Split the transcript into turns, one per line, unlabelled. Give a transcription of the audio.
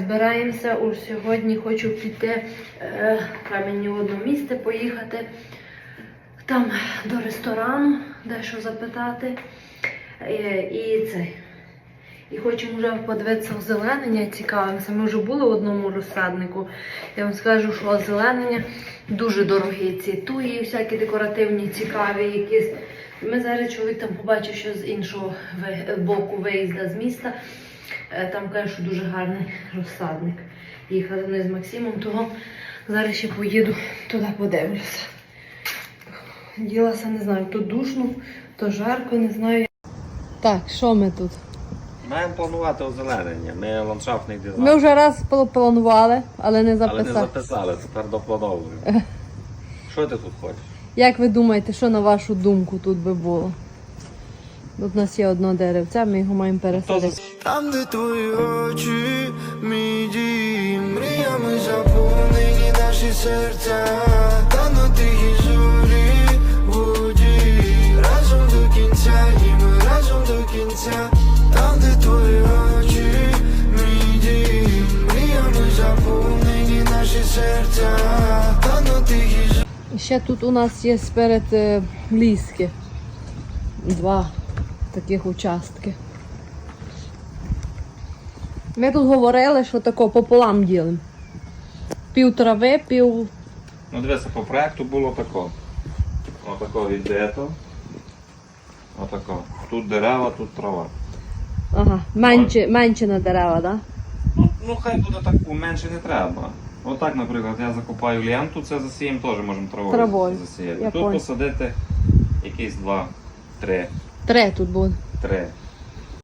збираємося. Уж сьогодні хочу піти мені в одне місце поїхати. Там до ресторану, дещо запитати. І хочемо вже подивитися озеленення, цікавимося. Ми вже були в одному розсаднику. Я вам скажу, що озеленення дуже дорогі. Ці туї, всякі декоративні, цікаві якісь. Ми зараз чоловік там побачив, що з іншого боку виїзду з міста. Там каже, що дуже гарний розсадник. Їхали вони з Максимом, того зараз ще поїду туди подивлюся. Ділася, не знаю, то душно, то жарко, не знаю. Так, що ми тут?
Маємо планувати озеленення. Ми ландшафтний дизайн.
Ми вже раз планували, але не записали.
Але не записали, тепер доплановуємо. Що ти тут хочеш?
Як ви думаєте, що на вашу думку тут би було? Тут у нас є одне деревце, ми його маємо пересадити.
Там, де твої очі, мій дім, мріями заповнені наші серця. Та на тихій зорі, воді, разом до кінця, і ми разом до кінця. Там, де твої очі, мій дім, мріями заповнені наші серця. Та на тихій зорі.
Ще тут у нас є сперед ліски. Два таких участки. Ми тут говорили, що тако пополам ділимо. Пів трави, пів...
Ну дивися, по проекту було тако. Отако віддето. Отако. Тут дерева, тут трава.
Ага, менше на дерева, так? Да?
Ну хай буде так, менше не треба. Отак, наприклад, я закопаю ленту, це засіємо, теж можемо травою засіяти.
Я
Тут
понял.
посадити якісь 2-3.
3 тут буде.
3.